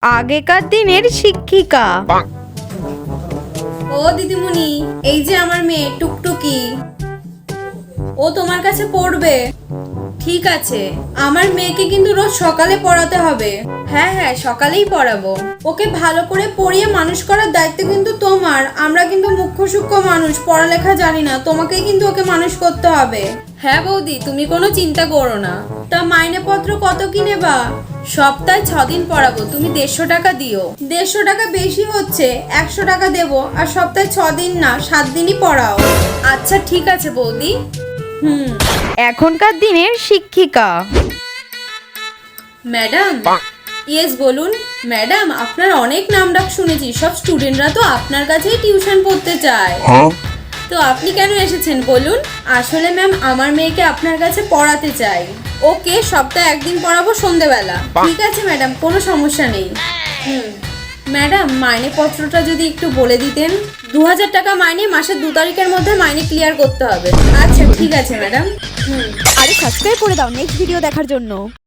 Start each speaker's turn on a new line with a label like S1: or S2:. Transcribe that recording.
S1: আগেকার দিনের শিক্ষিকা।
S2: ও দিদিমণি, এই যে আমার মেয়ে টুকটুকি, ও তোমার কাছে পড়বে। ঠিক আছে, আমার মেয়েকে কিন্তু রোজ সকালে পড়াতে হবে। হ্যাঁ হ্যাঁ, সকালেই পড়াবো। ওকে ভালো করে পড়িয়ে মানুষ করার দায়িত্ব কিন্তু তোমার। আমরা কিন্তু মুখ্য সূক্ষ্ম মানুষ, পড়ালেখা জানি না, তোমাকেই কিন্তু ওকে মানুষ করতে হবে। হ্যাঁ বৌদি, তুমি কোনো চিন্তা করো না। তা মাইনেপত্র কত কি নেবা? সপ্তাহে 6 দিন পড়াবো, তুমি 150 টাকা দিও। 150 টাকা বেশি হচ্ছে, 100 টাকা দেবো। আর সপ্তাহে 6 দিন না, 7 দিনই পড়াও। আচ্ছা ঠিক আছে বৌদি।
S1: এখনকার দিনের শিক্ষিকা।
S2: ম্যাডাম, ইয়েস বলুন। ম্যাডাম, আপনার অনেক নাম ডাক শুনেছি, সব স্টুডেন্টরা তো আপনার কাছেই টিউশন পড়তে চায়। তো আপনি কেন এসেছেন বলুন? আসলে ম্যাম, আমার মেয়েকে আপনার কাছে পড়াতে চাই। ওকে সপ্তাহে 1 দিন পড়াবো সন্ধ্যেবেলা। ঠিক আছে ম্যাডাম, কোনো সমস্যা নেই। ম্যাডাম, মাইনে পত্রটা যদি একটু বলে দিতেন। 2000 টাকা মাইনে, মাসের 2 তারিখের মধ্যে মাইনে ক্লিয়ার করতে হবে। আচ্ছা ঠিক আছে ম্যাডাম।
S3: আরে সাবস্ক্রাইব করে দাও নেক্সট ভিডিও দেখার জন্য।